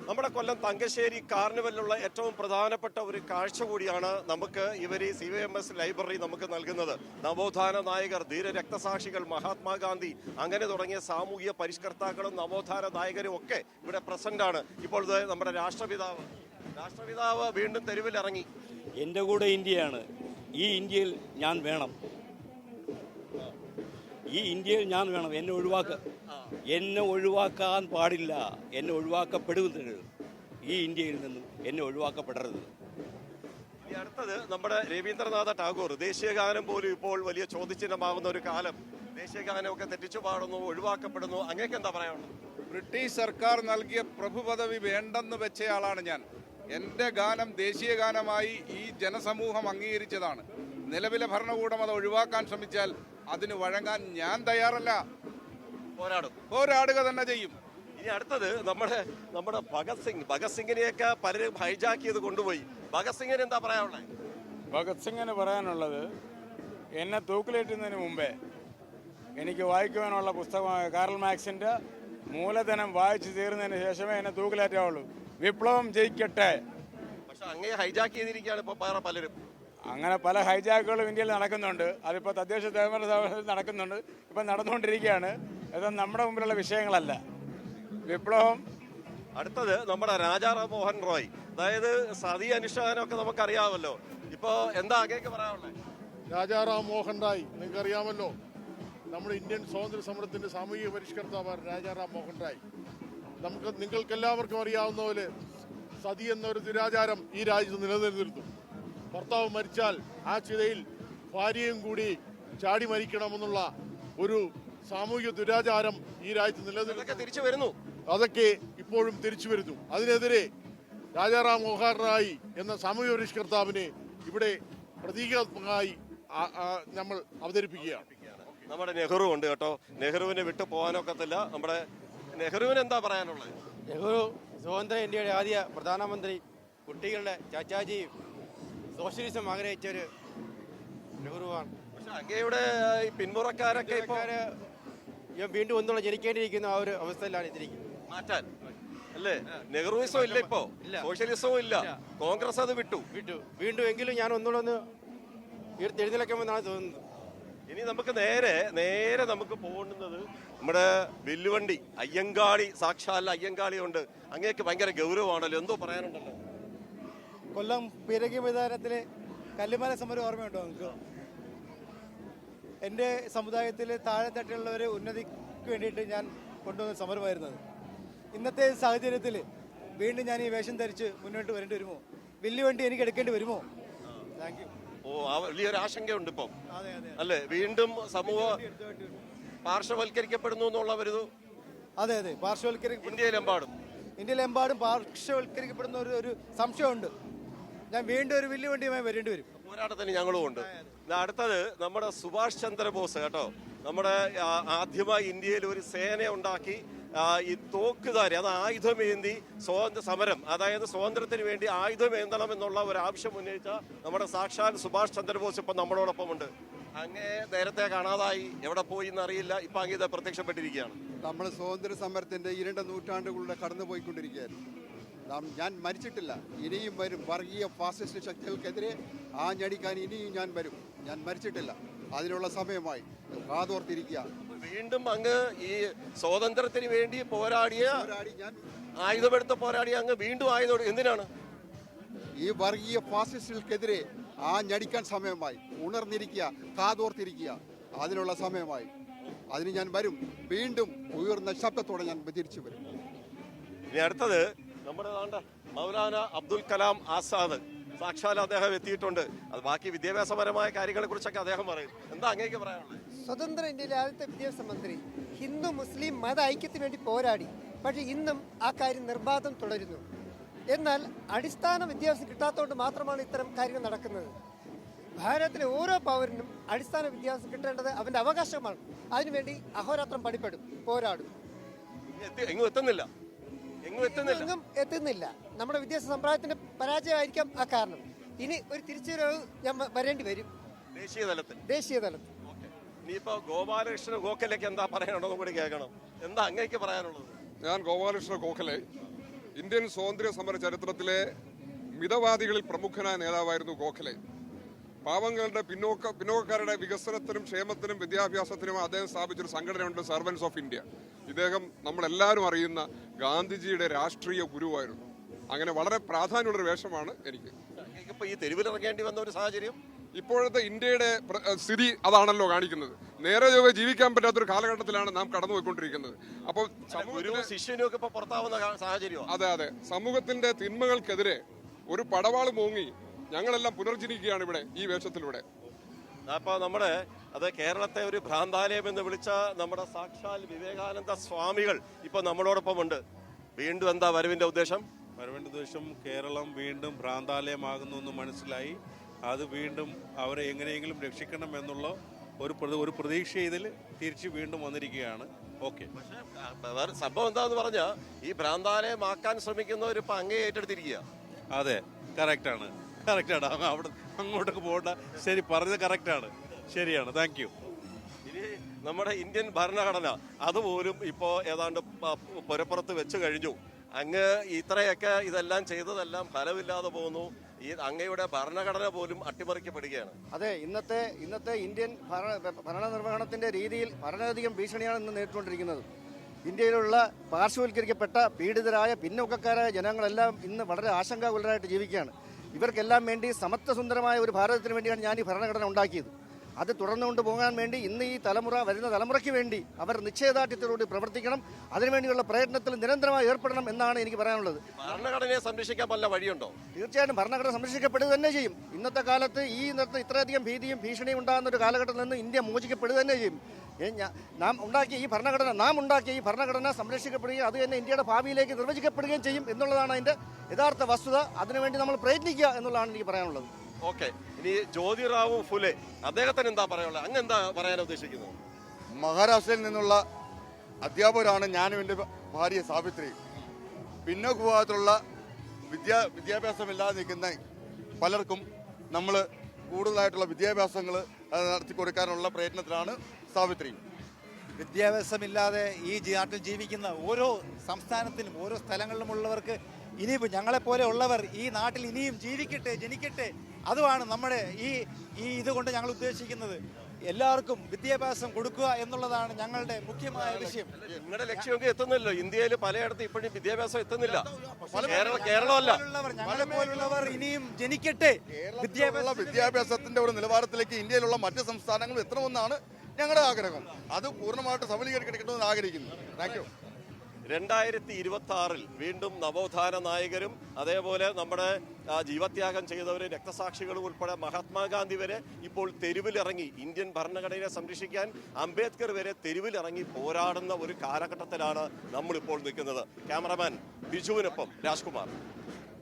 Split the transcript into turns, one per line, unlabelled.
നമ്മുടെ കൊല്ലം തങ്കശ്ശേരി കാർണിവലിലുള്ള ഏറ്റവും പ്രധാനപ്പെട്ട ഒരു കാഴ്ച കൂടിയാണ് നമുക്ക് ഇവർ ഈ CVMS ലൈബ്രറി നമുക്ക് നൽകുന്നത്. നവോത്ഥാന നായകർ, ധീര രക്തസാക്ഷികൾ, മഹാത്മാഗാന്ധി അങ്ങനെ തുടങ്ങിയ സാമൂഹിക പരിഷ്കർത്താക്കളും നവോത്ഥാന നായകരും ഒക്കെ ഇവിടെ പ്രസന്റ് ആണ്. ഇപ്പോൾ നമ്മുടെ രാഷ്ട്രപിതാവ് വീണ്ടും തെരുവിലിറങ്ങി.
എൻ്റെ കൂടെ ഇന്ത്യയാണ്. ഈ ഇന്ത്യയിൽ ഞാൻ വേണം. ഈ ഇന്ത്യയിൽ ഞാൻ വേണം. എന്നെ ഒഴിവാക്കാൻ പാടില്ല. എന്നെ ഒഴിവാക്കപ്പെടുന്നത് ഈ ഇന്ത്യയിൽ നിന്നും എന്നെ ഒഴിവാക്കപ്പെടരുത്.
ഇനി അടുത്തത് നമ്മുടെ രവീന്ദ്രനാഥ ടാഗോർ. ദേശീയഗാനം പോലും ഇപ്പോൾ വലിയ ചോദ്യചിഹ്നമാകുന്ന ഒരു കാലം. ദേശീയഗാനമൊക്കെ തെറ്റിച്ചു പാടുന്നു, ഒഴിവാക്കപ്പെടുന്നു. അങ്ങേക്ക് എന്താ പറയാനുള്ളത്?
ബ്രിട്ടീഷ് സർക്കാർ നൽകിയ പ്രഭു പദവി വേണ്ടെന്ന് വെച്ചയാളാണ് ഞാൻ. എൻ്റെ ഗാനം ദേശീയ ഗാനമായി ഈ ജനസമൂഹം അംഗീകരിച്ചതാണ്. നിലവിലെ ഭരണകൂടം അത് ഒഴിവാക്കാൻ ശ്രമിച്ചാൽ അതിന് വഴങ്ങാൻ ഞാൻ തയ്യാറല്ല. പോരാടുക തന്നെ ചെയ്യും.
ഇനി അടുത്തത് നമ്മുടെ ഭഗത് സിംഗിനെയൊക്കെ പലരും ഹൈജാക്ക് ചെയ്ത് കൊണ്ടുപോയി. ഭഗത് സിംഗിന് എന്താ പറയാനുള്ളത്?
ഭഗത് സിംഗിന് പറയാനുള്ളത്, എന്നെ തൂക്കിലേറ്റുന്നതിന് മുമ്പേ എനിക്ക് വായിക്കുവാനുള്ള പുസ്തകമായ കാറൽ മാർക്സിന്റെ മൂലധനം വായിച്ചു തീർന്നതിന് ശേഷമേ എന്നെ തൂക്കിലേറ്റാവുള്ളൂ. വിപ്ലവം ജയിക്കട്ടെ.
പക്ഷെ അങ്ങനെ ഹൈജാക്ക് ചെയ്തിരിക്കുകയാണ് ഇപ്പോൾ പലരും.
അങ്ങനെ പല ഹൈജാക്കുകളും ഇന്ത്യയിൽ നടക്കുന്നുണ്ട്. അതിപ്പോൾ തദ്ദേശ സ്വയംഭരണ നടക്കുന്നുണ്ട്, ഇപ്പം നടന്നുകൊണ്ടിരിക്കുകയാണ്. ഇതൊന്നും നമ്മുടെ മുമ്പിലുള്ള വിഷയങ്ങളല്ല. വിപ്ലവം.
അടുത്തത് നമ്മുടെ രാജാറാം മോഹൻ റോയ്. അതായത് സതി അനുഷ്ഠാനമൊക്കെ നമുക്കറിയാമല്ലോ. ഇപ്പോൾ എന്താ അങ്ങേക്ക് പറയാനുള്ളത്?
രാജാറാം മോഹൻ റായ് നിങ്ങൾക്കറിയാമല്ലോ, നമ്മുടെ ഇന്ത്യൻ സ്വാതന്ത്ര്യ സമരത്തിന്റെ സാമൂഹിക പരിഷ്കർത്താവാണ് രാജാറാം മോഹൻ റായ്. നിങ്ങൾക്കെല്ലാവർക്കും അറിയാവുന്ന പോലെ സതി എന്നൊരു ദുരാചാരം ഈ രാജ്യത്ത് നിലനിന്നിരുന്നു. ഭർത്താവ് മരിച്ചാൽ ആ ചിതയിൽ ഭാര്യയും കൂടി ചാടി മരിക്കണമെന്നുള്ള ഒരു സാമൂഹിക ദുരാചാരം ഈ രാജ്യത്ത് നിലനിൽക്കുന്നു. അതൊക്കെ ഇപ്പോഴും തിരിച്ചു വരുന്നു. അതിനെതിരെ രാജാറാം മോഹൻ റായ് എന്ന സാമൂഹിക പരിഷ്കർത്താവിനെ ഇവിടെ പ്രതീകാത്മകമായി നമ്മൾ അവതരിപ്പിക്കുകയാണ്.
നമ്മുടെ നെഹ്റു ഉണ്ട് കേട്ടോ. നെഹ്റുവിനെ വിട്ടു പോകാനൊക്കത്തില്ല. നമ്മുടെ നെഹ്റുവിന് എന്താ പറയാനുള്ളത്?
നെഹ്റു സ്വതന്ത്ര ഇന്ത്യയുടെ ആദ്യ പ്രധാനമന്ത്രി, കുട്ടികളുടെ ചാച്ചാജിയും സോഷ്യലിസം ആഗ്രഹിച്ചൊരു നെഹ്റുവാണ്.
പക്ഷെ അങ്ങയുടെ പിന്മുറക്കാരൊക്കെ
വീണ്ടും ഒന്നുകൂടെ ജനിക്കേണ്ടിയിരിക്കുന്ന ആ ഒരു അവസ്ഥയിലാണ് ഇതിരിക്കുന്നത്.
മാറ്റാൻ അല്ലേ? നെഹ്റുവിസവും ഇല്ല, ഇപ്പോ സോഷ്യലിസവും ഇല്ല, കോൺഗ്രസ് അത് വിട്ടു.
വീണ്ടും എങ്കിലും ഞാൻ ഒന്നുകൂടെ ഒന്ന് എഴുന്നേൽക്കുമെന്നാണ് തോന്നുന്നത്.
ഇനി നമുക്ക് നേരെ നമുക്ക് പോകുന്നത് നമ്മുടെ വില്ലുവണ്ടി അയ്യങ്കാളി. സാക്ഷാൽ അയ്യങ്കാളി ഉണ്ട്. അങ്ങേക്ക് ഭയങ്കര ഗൗരവമാണല്ലോ, എന്തോ പറയാനുണ്ടല്ലോ?
കൊല്ലം പീരങ്കി മൈതാനത്തിലെ കല്ലുമല സമരം ഓർമ്മയുണ്ടോ നിങ്ങൾക്ക്? എൻ്റെ സമുദായത്തിലെ താഴെത്തട്ടിലുള്ളവരെ ഉന്നതിക്ക് വേണ്ടിയിട്ട് ഞാൻ കൊണ്ടുവന്ന സമരമായിരുന്നത്. ഇന്നത്തെ സാഹചര്യത്തിൽ വീണ്ടും ഞാൻ ഈ വേഷം ധരിച്ച് മുന്നോട്ട് വരേണ്ടി വരുമോ? വില്ലുവണ്ടി എനിക്ക് എടുക്കേണ്ടി വരുമോ? Thank you.
വലിയൊരു ആശങ്കയുണ്ട് ഇപ്പം അല്ലേ? വീണ്ടും സമൂഹം പാർശ്വവൽക്കരിക്കപ്പെടുന്നു എന്നുള്ളവരുത്.
അതെ, ഇന്ത്യയിലെമ്പാടും പാർശ്വവൽക്കരിക്കപ്പെടുന്ന ഒരു സംശയമുണ്ട്. ഞാൻ വീണ്ടും ഒരു വില്ലുവണ്ടിയുമായി വരേണ്ടി വരും.
പോരാട്ടത്തിന് ഞങ്ങളും ഉണ്ട്. അടുത്തത് നമ്മുടെ സുഭാഷ് ചന്ദ്രബോസ് കേട്ടോ. നമ്മുടെ ആദ്യമായി ഇന്ത്യയിൽ ഒരു സേന ഉണ്ടാക്കി ഈ തോക്കുധാരി, അത് ആയുധമേന്തി സമരം, അതായത് സ്വാതന്ത്ര്യത്തിന് വേണ്ടി ആയുധമേന്തണം എന്നുള്ള ഒരു ആവശ്യം ഉന്നയിച്ച നമ്മുടെ സാക്ഷാൽ സുഭാഷ് ചന്ദ്രബോസ് ഇപ്പം നമ്മളോടൊപ്പം ഉണ്ട്. അങ്ങേ നേരത്തെ കാണാതായി, എവിടെ പോയി എന്നറിയില്ല. ഇപ്പം അങ്ങ് ഇത് പ്രത്യക്ഷപ്പെട്ടിരിക്കുകയാണ്.
നമ്മൾ സ്വാതന്ത്ര്യ സമരത്തിന്റെ 2 നൂറ്റാണ്ടുകളുടെ കടന്നുപോയിക്കൊണ്ടിരിക്കുകയായിരുന്നു. ഞാൻ മരിച്ചിട്ടില്ല, ഇനിയും വരും. വർഗീയ ഫാസിസ്റ്റ് ശക്തികൾക്കെതിരെ ആഞ്ഞടിക്കാൻ ഇനിയും ഞാൻ വരും. ഞാൻ മരിച്ചിട്ടില്ല, അതിനുള്ള സമയമായി. കാതോർത്തിരിക്കുക.
വീണ്ടും അങ്ങ് ഈ സ്വാതന്ത്ര്യത്തിന് വേണ്ടി ആയുധമെടുത്ത് പോരാടിയ അങ്ങ് വീണ്ടും ആയുധം എന്തിനാണ്?
ഈ വർഗീയ ഫാസിസ്റ്റുകൾക്കെതിരെ ആഞ്ഞടിക്കാൻ സമയമായി. ഉണർന്നിരിക്കുക, കാതോർത്തിരിക്കുക, അതിനുള്ള സമയമായി. അതിന് ഞാൻ വരും. വീണ്ടും ഉയർന്ന ശബ്ദത്തോടെ ഞാൻ തിരിച്ചു വരും.
ഇനി അടുത്തത് നമ്മുടെ മൗലാന അബ്ദുൽ കലാം ആസാദ്. സാക്ഷാൽ അദ്ദേഹം എത്തിയിട്ടുണ്ട്. അത് ബാക്കി വിദ്യാഭ്യാസപരമായ കാര്യങ്ങളെ കുറിച്ചൊക്കെ അദ്ദേഹം പറയും. എന്താ അങ്ങേക്ക് പറയാനുള്ളത്?
സ്വതന്ത്ര ഇന്ത്യയിലെ ആദ്യത്തെ വിദ്യാഭ്യാസ മന്ത്രി. ഹിന്ദു മുസ്ലിം മത ഐക്യത്തിന് വേണ്ടി പോരാടി. പക്ഷേ ഇന്നും ആ കാര്യം നിർബാധം തുടരുന്നു. എന്നാൽ അടിസ്ഥാന വിദ്യാഭ്യാസം കിട്ടാത്തതുകൊണ്ട് മാത്രമാണ് ഇത്തരം കാര്യങ്ങൾ നടക്കുന്നത്. ഭാരതത്തിലെ ഓരോ പൗരനും അടിസ്ഥാന വിദ്യാഭ്യാസം കിട്ടേണ്ടത് അവന്റെ അവകാശമാണ്. അതിനുവേണ്ടി അഹോരാത്രം പണിപ്പെടും, പോരാടും. എങ്ങും എത്തുന്നില്ല. നമ്മുടെ വിദ്യാഭ്യാസ സമ്പ്രദായത്തിന്റെ പരാജയമായിരിക്കാം ആ കാരണം. ഇനി ഒരു തിരിച്ചുവരവ് ഞാൻ വരേണ്ടി വരും ദേശീയ തലത്തിൽ.
ഇനിയിപ്പോ ഗോപാലകൃഷ്ണ ഗോഖലേക്ക് എന്താ പറയാനുള്ളത് കൂടി കേൾക്കണം. എന്താ അങ്ങേക്ക് പറയാനുള്ളത്?
ഞാൻ ഗോപാലകൃഷ്ണ ഗോഖലെ ഇന്ത്യൻ സ്വാതന്ത്ര്യ സമര ചരിത്രത്തിലെ മിതവാദികളിൽ പ്രമുഖനായ നേതാവായിരുന്നു ഗോഖലെ. പാവങ്ങളുടെ പിന്നോക്കക്കാരുടെ വികസനത്തിനും ക്ഷേമത്തിനും വിദ്യാഭ്യാസത്തിനും അദ്ദേഹം സ്ഥാപിച്ചൊരു സംഘടനയുണ്ട്, സർവൻസ് ഓഫ് ഇന്ത്യ. ഇദ്ദേഹം നമ്മളെല്ലാവരും അറിയുന്ന ഗാന്ധിജിയുടെ രാഷ്ട്രീയ ഗുരുവായിരുന്നു. അങ്ങനെ വളരെ പ്രാധാന്യമുള്ളൊരു വേഷമാണ് എനിക്ക്.
ഇപ്പൊ ഈ തെരുവിലിറങ്ങേണ്ടി വന്ന ഒരു സാഹചര്യം
ഇപ്പോഴത്തെ ഇന്ത്യയുടെ സ്ഥിതി അതാണല്ലോ കാണിക്കുന്നത്. നേരെ ചൊവ്വേ ജീവിക്കാൻ പറ്റാത്തൊരു കാലഘട്ടത്തിലാണ് നാം കടന്നുപോയിക്കൊണ്ടിരിക്കുന്നത്. അപ്പോൾ
ശിഷ്യനും ഒക്കെ ഇപ്പൊ പുറത്താവുന്ന സാഹചര്യം.
അതെ അതെ, സമൂഹത്തിന്റെ തിന്മകൾക്കെതിരെ ഒരു പടവാള് മോങ്ങി ഞങ്ങളെല്ലാം പുനർജനിക്കുകയാണ് ഇവിടെ ഈ വേഷത്തിലൂടെ.
അപ്പൊ നമ്മുടെ കേരളത്തെ ഒരു ഭ്രാന്താലയം എന്ന് വിളിച്ച നമ്മുടെ സാക്ഷാൽ വിവേകാനന്ദ സ്വാമികൾ ഇപ്പൊ നമ്മളോടൊപ്പം ഉണ്ട്. വീണ്ടും എന്താ വരവിന്റെ ഉദ്ദേശം?
വരവിന്റെ ഉദ്ദേശം കേരളം വീണ്ടും ഭ്രാന്താലയമാകുന്നു എന്ന് മനസ്സിലായി. അത് വീണ്ടും അവരെ എങ്ങനെയെങ്കിലും രക്ഷിക്കണം എന്നുള്ള ഒരു പ്രതീക്ഷ ഇതിൽ തിരിച്ച് വീണ്ടും വന്നിരിക്കുകയാണ്. ഓക്കെ,
വേറെ സംഭവം എന്താന്ന് പറഞ്ഞാ ഈ ഭ്രാന്താലയമാക്കാൻ ശ്രമിക്കുന്നവർ ഇപ്പൊ അങ്ങേ ഏറ്റെടുത്തിരിക്കുക.
അതെ, കറക്റ്റാണ്. അവിടെ അങ്ങോട്ടേക്ക് പോകണ്ട. ശരി, പറഞ്ഞത് കറക്റ്റാണ്, ശരിയാണ്. Thank you.
ഇനി നമ്മുടെ ഇന്ത്യൻ ഭരണഘടന അതുപോലും ഇപ്പോ ഏതാണ്ട് പുരപ്പുറത്ത് വെച്ച് കഴിഞ്ഞു. അങ്ങ് ഇത്രയൊക്കെ ഇതെല്ലാം ചെയ്തതെല്ലാം ഫലമില്ലാതെ പോകുന്നു. ഈ അങ്ങയുടെ ഭരണഘടന പോലും അട്ടിമറിക്കപ്പെടുകയാണ്.
അതെ, ഇന്നത്തെ ഇന്ത്യൻ ഭരണനിർവഹണത്തിന്റെ രീതിയിൽ വളരെയധികം ഭീഷണിയാണ് ഇന്ന് നേരിട്ടുകൊണ്ടിരിക്കുന്നത്. ഇന്ത്യയിലുള്ള പാർശ്വവൽക്കരിക്കപ്പെട്ട പീഡിതരായ പിന്നോക്കക്കാരായ ജനങ്ങളെല്ലാം ഇന്ന് വളരെ ആശങ്കാകുലരായിട്ട് ജീവിക്കുകയാണ്. ഇവർക്കെല്ലാം വേണ്ടി സമത്വസുന്ദരമായ ഒരു ഭാരതത്തിന് വേണ്ടിയാണ് ഞാൻ ഈ ഭരണഘടന ഉണ്ടാക്കിയത്. അത് തുടർന്നുകൊണ്ട് പോകാൻ വേണ്ടി ഇന്ന് ഈ വരുന്ന തലമുറയ്ക്ക് വേണ്ടി അവർ നിശ്ചയദാർഢ്യത്തോടുകൂടി പ്രവർത്തിക്കണം. അതിനുവേണ്ടിയുള്ള പ്രയത്നത്തിൽ നിരന്തരമായി ഏർപ്പെടണം എന്നാണ് എനിക്ക് പറയാനുള്ളത്.
ഭരണഘടനയെ സംരക്ഷിക്കാൻ വല്ല വഴിയുണ്ടോ?
തീർച്ചയായിട്ടും ഭരണഘടന സംരക്ഷിക്കപ്പെടുക തന്നെ ചെയ്യും. ഇന്നത്തെ കാലത്ത് ഇത്രയധികം ഭീതിയും ഭീഷണിയും ഉണ്ടാകുന്ന ഒരു കാലഘട്ടത്തിൽ നിന്ന് ഇന്ത്യ മോചിക്കപ്പെടുക തന്നെ ചെയ്യും. നാം ഉണ്ടാക്കിയ ഈ ഭരണഘടന സംരക്ഷിക്കപ്പെടുകയും അത് തന്നെ ഇന്ത്യയുടെ ഭാവിയിലേക്ക് നിർവചിക്കപ്പെടുകയും ചെയ്യും എന്നുള്ളതാണ് അതിന്റെ യഥാർത്ഥ വസ്തുത. അതിനുവേണ്ടി നമ്മൾ പ്രയത്നിക്കുക എന്നുള്ളതാണ് എനിക്ക് പറയാനുള്ളത്.
ഓക്കെ, ഇനി ജ്യോതിറാവു ഫുലെ അദ്ദേഹത്തിന് എന്താ പറയാനുള്ളത്? അങ്ങ് എന്താ പറയാൻ ഉദ്ദേശിക്കുന്നത്?
മഹാരാഷ്ട്രയിൽ നിന്നുള്ള അധ്യാപകരാണ് ഞാനും എൻ്റെ ഭാര്യ സാവിത്രി. പിന്നോക്ക വിഭാഗത്തിലുള്ള വിദ്യാഭ്യാസമില്ലാതെ നിൽക്കുന്ന പലർക്കും നമ്മൾ കൂടുതലായിട്ടുള്ള വിദ്യാഭ്യാസങ്ങൾ നടത്തി കൊടുക്കാനുള്ള പ്രയത്നത്തിലാണ് സാവിത്രി.
വിദ്യാഭ്യാസമില്ലാതെ ഈ നാട്ടിൽ ജീവിക്കുന്ന ഓരോ സംസ്ഥാനത്തിനും ഓരോ സ്ഥലങ്ങളിലുമുള്ളവർക്ക് ഇനിയിപ്പോൾ ഞങ്ങളെപ്പോലെ ഉള്ളവർ ഈ നാട്ടിൽ ഇനിയും ജനിക്കട്ടെ. അതുമാണ് നമ്മുടെ ഈ ഇതുകൊണ്ട് ഞങ്ങൾ ഉദ്ദേശിക്കുന്നത്. എല്ലാവർക്കും വിദ്യാഭ്യാസം കൊടുക്കുക എന്നുള്ളതാണ് ഞങ്ങളുടെ മുഖ്യമായ വിഷയം.
നിങ്ങളുടെ ലക്ഷ്യമൊക്കെ എത്തുന്നില്ലല്ലോ. ഇന്ത്യയിൽ പലയിടത്തും ഇപ്പോഴും വിദ്യാഭ്യാസം എത്തുന്നില്ല. കേരളമല്ല,
ഞങ്ങളെപ്പോലുള്ളവർ ഇനിയും ജനിക്കട്ടെ.
വിദ്യാഭ്യാസത്തിന്റെ ഒരു നിലവാരത്തിലേക്ക് ഇന്ത്യയിലുള്ള മറ്റ് സംസ്ഥാനങ്ങളും എത്തണമെന്നാണ് ഞങ്ങളുടെ ആഗ്രഹം. അത് പൂർണ്ണമായിട്ട് സബലീകരിക്കണമെന്ന് ആഗ്രഹിക്കുന്നു. Thank you.
2026 വീണ്ടും നവോത്ഥാന നായകരും അതേപോലെ നമ്മുടെ ജീവത്യാഗം ചെയ്തവരും രക്തസാക്ഷികളും ഉൾപ്പെടെ മഹാത്മാഗാന്ധി വരെ ഇപ്പോൾ തെരുവിലിറങ്ങി ഇന്ത്യൻ ഭരണഘടനയെ സംരക്ഷിക്കാൻ അംബേദ്കർ വരെ തെരുവിലിറങ്ങി പോരാടുന്ന ഒരു കാലഘട്ടത്തിലാണ് നമ്മളിപ്പോൾ നിൽക്കുന്നത്. ക്യാമറമാൻ ബിജുവിനൊപ്പം രാജ്കുമാർ.